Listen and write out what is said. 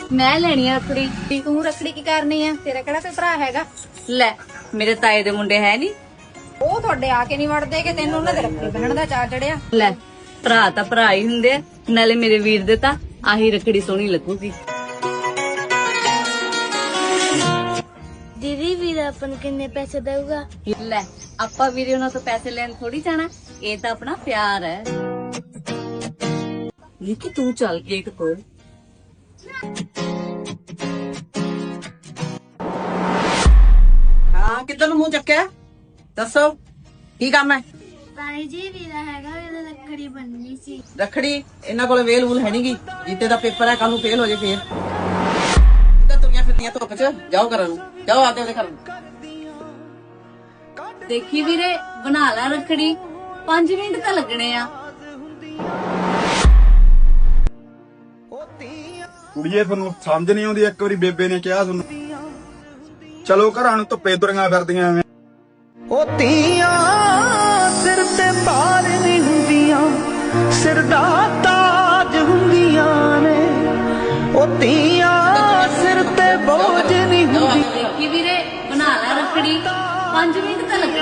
ਮੈਂ ਲੈਣੀ ਆ ਰੱਖੜੀ। ਤੂੰ ਰੱਖੜੀ ਕੀ ਕਰਨੀ ਆ? ਤੇਰਾ ਕਿਹੜਾ ਕੋਈ ਭਰਾ ਹੈਗਾ? ਲੈ ਮੇਰੇ ਤਾਏ ਦੇ ਮੁੰਡੇ ਹੈ ਨੀ। ਉਹ ਤੁਹਾਡੇ ਆ ਕੇ ਨਹੀਂ ਵੜਦੇ ਕਿ ਤੈਨੂੰ ਉਹਨਾਂ ਦੇ ਰੱਖੜੀ ਬੰਨਣ ਦਾ ਚਾਅ ਚੜਿਆ? ਲੈ ਭਰਾ ਤਾਂ ਭਰਾ ਹੀ ਹੁੰਦੇ ਆ, ਨਾਲੇ ਮੇਰੇ ਵੀਰ ਦੇ ਤਾਂ ਆਹੀ ਰੱਖੜੀ ਸੋਹਣੀ ਲੱਗੂਗੀ। ਦੀਦੀ ਵੀਰ ਆਪਾਂ ਨੂੰ ਕਿੰਨੇ ਪੈਸੇ ਦੇਊਗਾ? ਲੈ ਆਪਾਂ ਵੀਰੇ ਉਹਨਾਂ ਤੋਂ ਪੈਸੇ ਲੈਣ ਥੋੜੀ ਜਾਣਾ, ਇਹ ਤਾਂ ਆਪਣਾ ਪਿਆਰ ਹੈ। ਨਿੱਕੀ ਤੂੰ ਚੱਲ ਕੇਕ ਤੋੜ। ਹਾਂ ਕਿੱਧਰ ਨੂੰ ਮੂੰਹ ਚੱਕਿਆ? ਦੱਸੋ ਕੀ ਕੰਮ ਹੈ? ਤਾਈ ਜੀ ਵੀਰਾ ਹੈਗਾ, ਇਹਦਾ ਰੱਖੜੀ ਬੰਨਣੀ ਸੀ। ਰੱਖੜੀ ਇਹਨਾਂ ਕੋਲ ਵੇਲ ਵੂਲ ਹੈ ਨਹੀਂਗੀ। ਜੀਤੇ ਦਾ ਪੇਪਰ ਹੈ, ਕੱਲ ਨੂੰ ਫੇਲ ਹੋ ਜੇ ਫੇਰ। ਕਿੱਧਰ ਤੁਰੀਆਂ ਫਿਰਦੀਆਂ ਧੁੱਪ 'ਚ? ਜਾਓ ਘਰਾਂ ਨੂੰ, ਜਾਓ ਆਦੇ ਉਹਦੇ ਘਰ ਨੂੰ। ਦੇਖੀ ਵੀਰੇ ਬਣਾ ਲੈ ਰੱਖੜੀ, 5 ਮਿੰਟ ਤਾਂ ਲੱਗਣੇ ਆ। ਕੁੜੀਏ ਤੁਹਾਨੂੰ ਸਮਝ ਨਹੀਂ ਆਉਂਦੀ, ਇੱਕ ਵਾਰੀ ਬੇਬੇ ਨੇ ਕਿਹਾ ਤੁਹਾਨੂੰ ਚਲੋ ਘਰਾਂ ਨੂੰ, ਧੁੱਪੇ ਤੁਰੀਆਂ ਫਿਰਦੀਆਂ ਐਵੇਂ। ਉਹ ਧੀਆਂ ਸਿਰ ਤੇ ਭਾਰ ਨਹੀਂ ਹੁੰਦੀਆਂ, ਸਿਰ ਦਾ ਤਾਜ ਹੁੰਦੀਆਂ ਨੇ। ਉਹ ਧੀਆਂ ਸਿਰ ਤੇ ਬੋਝ ਨਹੀਂ ਹੁੰਦੀ। ਦੇਖੀ ਵੀਰੇ ਬਣਾ ਲੈ ਰੱਖੜੀ, 5 ਮਿੰਟ ਤਾਂ ਲੱਗਣੇ